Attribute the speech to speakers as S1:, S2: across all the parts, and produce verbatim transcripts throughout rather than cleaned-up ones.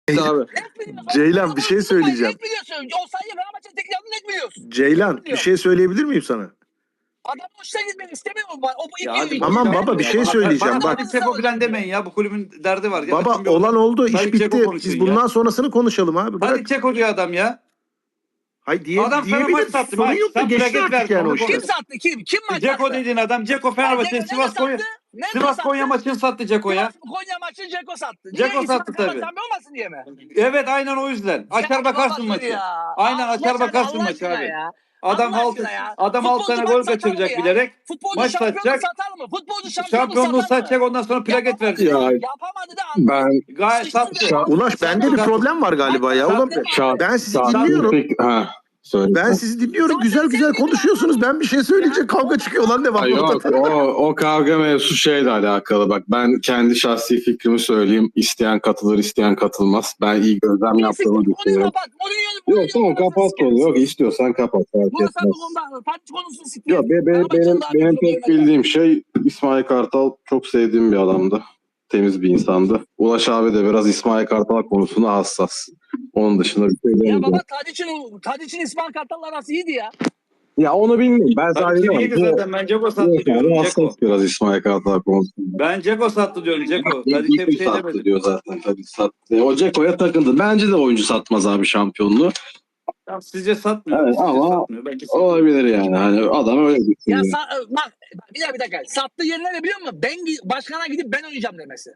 S1: abi.
S2: Net biliyorsun.
S3: Ceylan bir şey söyleyeceğim.
S2: Net biliyorsun. O sayı Fenerbahçe'nin tek yanını net biliyorsun.
S3: Ceylan bir şey söyleyebilir miyim sana?
S2: Adam hoşuna gitmek istemiyor mu? O bu
S4: Ya hadi
S2: iki-
S3: Tamam
S4: boş ver
S3: baba,
S4: ya.
S3: bir şey
S4: Bana-
S3: söyleyeceğim,
S4: Bana
S3: bak.
S4: Tadic Dzeko falan demeyin ya. Bu kulübün derdi var. Ya
S3: Baba
S4: açın bir
S3: olan
S4: orada.
S3: oldu, iş
S4: Tadic Dzeko
S3: bitti.
S4: konuşun
S3: Biz
S4: ya.
S3: bundan sonrasını konuşalım abi. Bırak.
S4: Tadic Dzeko diyor adam ya.
S3: Hayır diye,
S4: Adam sana maç
S3: diyebilir.
S4: sattı,
S3: Sorun
S4: maç.
S3: yok da
S4: Sen
S3: geçti
S4: plaket
S3: artık
S4: verdin,
S3: yani
S4: onu
S3: o
S4: konuş.
S3: işler.
S2: Kim sattı? Kim? Kim maç
S4: Dzeko
S2: sattı?
S4: dediğin adam Dzeko Fenerbahçe
S2: Dzeko
S4: Sivas
S2: nerede
S4: Konya
S2: sattı? Nerede
S4: Sivas
S2: sattı?
S4: Konya maçını sattı Dzeko'ya.
S2: Sivas Konya maçı Dzeko sattı.
S4: Dzeko
S2: Niye?
S4: sattı
S2: İsmail
S4: tabii.
S2: Kartal olmasın diye mi?
S4: Evet aynen o yüzden. Açar bakarsın
S2: Babası
S4: maçı.
S2: ya.
S4: Aynen
S2: Allah
S4: açar
S2: aşkına,
S4: bakarsın
S2: Allah
S4: maçı
S2: aşkına
S4: abi.
S2: ya.
S4: Adam
S2: Allah
S4: alt
S2: aşkına ya.
S4: adam alt
S2: Futbolcu
S4: tane gol
S2: maç satar
S4: kaçıracak
S2: mı ya?
S4: bilerek.
S2: Futbolcu
S4: Maç
S2: şampiyonluk
S4: satacak.
S2: satar mı? Futbolcu şampiyonluk,
S4: Şampiyonluğu
S2: satar
S4: satacak,
S2: mı?
S4: ondan sonra plaket
S2: Yapamadı.
S4: verecek.
S1: Ya
S2: Yapamadı da anladım.
S1: ben
S4: Gayet
S2: Sıçtı
S4: sattı.
S2: da.
S3: Ulaş bende bir problem var galiba ya. Ulan
S1: şart,
S3: ben sizi
S1: şart-
S3: dinliyorum.
S1: Peki, ha, söyle.
S3: Ben sizi dinliyorum.
S2: Zaten
S3: Güzel güzel
S2: sen
S3: konuşuyorsunuz. Ben bir şey söyleyince kavga çıkıyor lan
S1: Ha,
S3: devamlı
S1: yok
S3: ortada.
S1: o, o kavga mevzusu şeyle alakalı. Bak ben kendi şahsi fikrimi söyleyeyim. İsteyen katılır, isteyen katılmaz. Ben iyi gözlem yaptığımı
S2: Konuyu
S1: düşünüyorum.
S2: kapat. Mourinho'yu
S1: Yok tamam kapat konu. Yok istiyorsan kapat. Fark
S2: Burası
S1: etmez.
S2: bu konuda parti konusunu siktir.
S1: Yok be, be-
S2: Fenerbahçe'nin
S1: benim
S2: daha bir
S1: benim
S2: problemi
S1: tek
S2: var.
S1: bildiğim şey İsmail Kartal çok sevdiğim bir adamdı. Temiz bir insandı. Ulaş abi de biraz İsmail Kartal konusunda hassas. Onun dışında bir şey
S2: Ya
S1: demeyeceğim.
S2: baba Tadiç'in Tadiç'in İsmail Kartal'la arası iyiydi ya.
S1: Ya onu bilmiyorum. Ben
S4: Tabii
S1: sadece
S4: ki iyiydi
S1: diyorum.
S4: zaten. Ben Dzeko
S1: Bu
S4: sattı diyorum. Dzeko.
S1: hassas biraz İsmail Kartal konusunda.
S4: Ben Dzeko sattı diyorum Dzeko. Tadic'e bir şey
S1: sattı
S4: demedim.
S1: diyor zaten. Tabii sattı. O Ceko'ya takıldı. Bence de oyuncu satmaz abi şampiyonluğu.
S4: Ya sizce satmıyor.
S1: Evet,
S4: Sizce
S1: ama
S4: satmıyor. Belki satmıyor.
S1: olabilir yani. Hani adam öyle
S2: Ya
S1: düşünüyor.
S2: sa- bak bir dakika bir dakika. Sattığı yerine ne biliyor musun? Ben gi- başkana gidip ben oynayacağım demesi.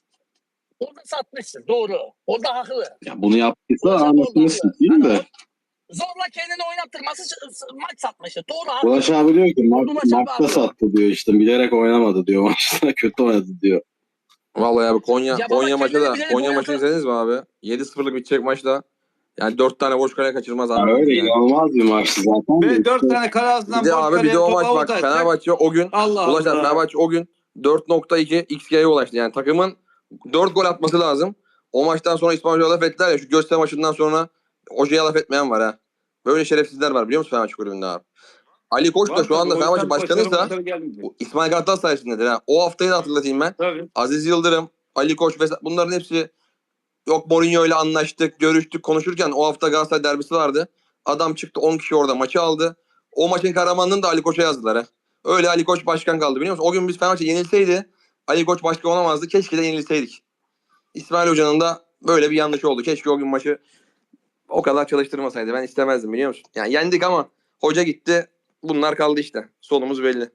S2: Orada satmışsın. Doğru. Orada haklı.
S1: Ya bunu yaptıysa
S2: Orada
S1: anasını
S2: haklı.
S1: sikeyim
S2: Yani
S1: de.
S2: o- zorla kendini oynattırması ç- s- maç satmıştı. Doğru haklı.
S1: Ulaş abi diyor ki ma-
S2: Ulaş abi
S1: maçta
S2: haklı.
S1: sattı diyor işte. Bilerek oynamadı diyor. Maçta kötü oynadı diyor.
S5: Vallahi abi Konya
S2: Ya baba
S5: Konya maçı
S2: kendini
S5: da
S2: bilerek
S5: Konya
S2: oynatır.
S5: maçını izlediniz mi abi? yedi sıfırlık bitecek maçta. Yani dört tane boş kale kaçırmaz
S1: Ya
S5: abi.
S1: öyle
S5: Yani.
S1: inanılmaz bir maçtı zaten. de
S4: Ve dört
S1: işte.
S4: tane kale ağzından
S5: Bir de
S4: boş
S5: abi bir
S4: kaleye
S5: de o
S4: topu
S5: maç bak
S4: avuta atacak.
S5: Fenerbahçe o gün
S4: Allah
S5: ulaşan
S4: Allah.
S5: Fenerbahçe o gün dört nokta iki X G'ye ulaştı. Yani takımın dört gol atması lazım. O maçtan sonra İsmail Hoca'ya laf ettiler ya, şu Göztepe maçından sonra hocaya laf etmeyen var ha. Böyle şerefsizler var biliyor musun Fenerbahçe kulübünde abi? Ali Koç da
S4: Var
S5: şu
S4: tabii,
S5: anda
S4: o
S5: Fenerbahçe
S4: yüzden
S5: başkanıysa
S4: başarı başarı gelmeyecek.
S5: bu İsmail Kartal sayesindedir ha. O haftayı da hatırlatayım ben.
S4: Tabii.
S5: Aziz Yıldırım, Ali Koç vesaire bunların hepsi yok Mourinho ile anlaştık, görüştük, konuşurken o hafta Galatasaray derbisi vardı. Adam çıktı on kişi orada maçı aldı. O maçın kahramanlığını da Ali Koç'a yazdılar ha. Öyle Ali Koç başkan kaldı biliyor musun? O gün biz Fenerbahçe yenilseydi Ali Koç başkan olamazdı. Keşke de yenilseydik. İsmail Hoca'nın da böyle bir yanlış oldu. Keşke o gün maçı o kadar çalıştırmasaydı. Ben istemezdim biliyor musun? Yani yendik ama hoca gitti. Bunlar kaldı işte. Sonumuz belli.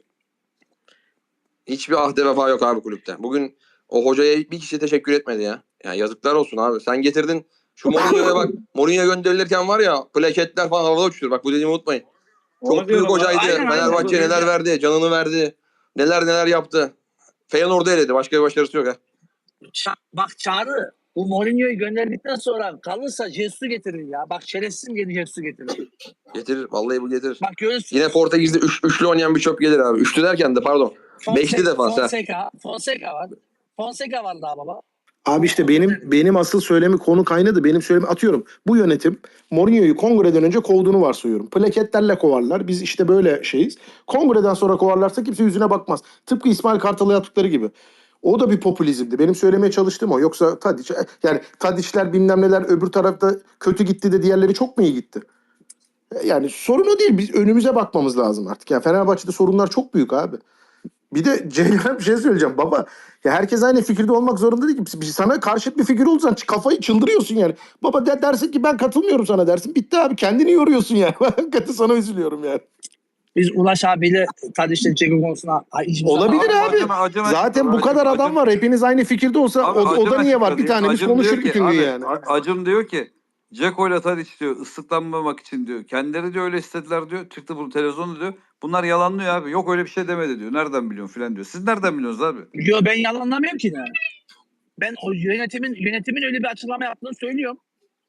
S5: Hiçbir ahde vefa yok abi kulüpte. Bugün o hocaya bir kişi teşekkür etmedi ya. Yani yazıklar olsun abi. Sen getirdin. Şu Mourinho'ya bak. Mourinho gönderilirken var ya plaketler falan havada uçuyor. Bak bu dediğimi unutmayın.
S4: Onu
S5: Çok büyük
S4: diyorum.
S5: hocaydı.
S2: Aynen, aynen.
S5: Fenerbahçe neler verdi. Canını verdi. Neler neler yaptı. Feyenoord'u eledi. Başka bir başarısı yok ha.
S2: Ça- bak Çağrı bu Mourinho'yu gönderdikten sonra kalırsa Jesus'u getirir ya. Bak şerefsizim geri Jesus'u getirir.
S5: Getirir. Vallahi bu getirir.
S2: Bak görürsün.
S5: Yine Portekiz'de üç, üçlü oynayan bir çöp gelir abi. Üçlü derken de pardon. Beşli defans ha.
S2: Fonseca, Fonseca var. Fonseca var daha baba.
S3: Abi işte benim benim asıl söylemi konu kaynadı. Benim söylemi atıyorum. Bu yönetim Mourinho'yu kongreden önce kovduğunu varsayıyorum. Plaketlerle kovarlar. Biz işte böyle şeyiz. Kongreden sonra kovarlarsa kimse yüzüne bakmaz. Tıpkı İsmail Kartal'a yaptıkları gibi. O da bir popülizmdi. Benim söylemeye çalıştığım o. Yoksa Tadiç, yani Tadiçler bilmem neler öbür tarafta kötü gitti de diğerleri çok mu iyi gitti? Yani sorun o değil. Biz önümüze bakmamız lazım artık. Yani Fenerbahçe'de sorunlar çok büyük abi. Bir de Ceylan'a bir şey söyleyeceğim. Baba ya herkes aynı fikirde olmak zorunda değil ki. Sana karşıt bir fikir olursan kafayı çıldırıyorsun yani. Baba de, dersin ki ben katılmıyorum sana dersin. Bitti abi kendini yoruyorsun yani. Hakikaten sana üzülüyorum yani.
S2: Biz Ulaş abiyle Tadiş'le Ceko konusuna hiç
S3: Olabilir abi.
S4: Acaba- acaba-
S3: Zaten bu
S4: acaba-
S3: kadar adam
S4: acaba-
S3: var. Hepiniz aynı fikirde olsa
S4: Abi,
S3: o, o da
S4: Acun
S3: niye var?
S4: açıkladı.
S3: Bir tanemiz
S4: Acun
S3: konuşur
S4: diyor ki,
S3: bütün gün
S4: abi,
S3: yani.
S4: A- Acun diyor ki Dzeko ile Tadic diyor ıslıklanmamak için diyor. Kendileri diyor öyle istediler diyor. Çıktı bu televizyonda diyor. Bunlar yalanlıyor abi. Yok öyle bir şey demedi diyor. Nereden biliyorsun filan diyor. Siz nereden biliyorsunuz abi?
S2: Yo ben yalanlamıyorum ki ne. Ben o yönetimin yönetimin öyle bir açıklama yaptığını söylüyorum.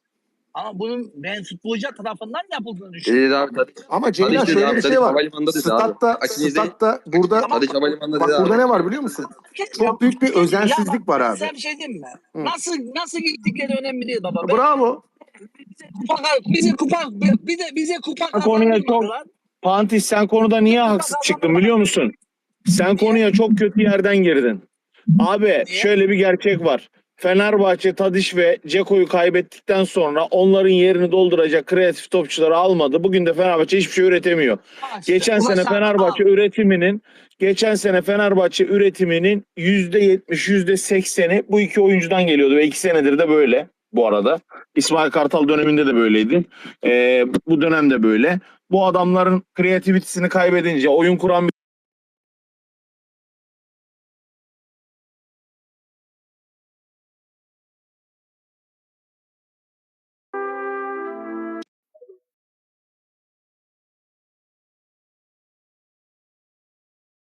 S2: Ama bunun ben futbolcu tarafından yapıldığını düşünüyorum.
S5: Dedi abi Tadiç.
S3: Ama Ceylan
S5: Tadiç dedi
S3: şöyle
S5: abi,
S3: bir
S5: Tadiç
S3: şey var.
S5: havalimanında dedi
S3: Statta,
S5: abi. Açın izleyin.
S3: statta burada
S5: Tadiç havalimanında
S3: bak
S5: dedi
S3: burada
S5: abi.
S3: ne var biliyor musun? Çok büyük bir özensizlik var abi.
S2: Sen bir şey diyeyim mi?
S3: Hı.
S2: Nasıl nasıl gittikleri önemli değil baba. Ben-
S3: Bravo.
S2: bize kupa bize kupa bize bize kupa
S6: Konuya çok-
S2: kazandırmadılar.
S6: Pantis sen konuda niye haksız çıktın biliyor musun? Sen konuya çok kötü yerden girdin. Abi şöyle bir gerçek var. Fenerbahçe Tadiç ve Ceko'yu kaybettikten sonra onların yerini dolduracak kreatif topçuları almadı. Bugün de Fenerbahçe hiçbir şey üretemiyor. Geçen
S2: Ulaş
S6: sene
S2: abi,
S6: Fenerbahçe
S2: al.
S6: üretiminin geçen sene Fenerbahçe üretiminin yüzde yetmiş, yüzde sekseni bu iki oyuncudan geliyordu ve iki senedir de böyle bu arada. İsmail Kartal döneminde de böyleydi. Ee, bu dönemde böyle. Bu adamların kreativitesini kaybedince, oyun kuran bir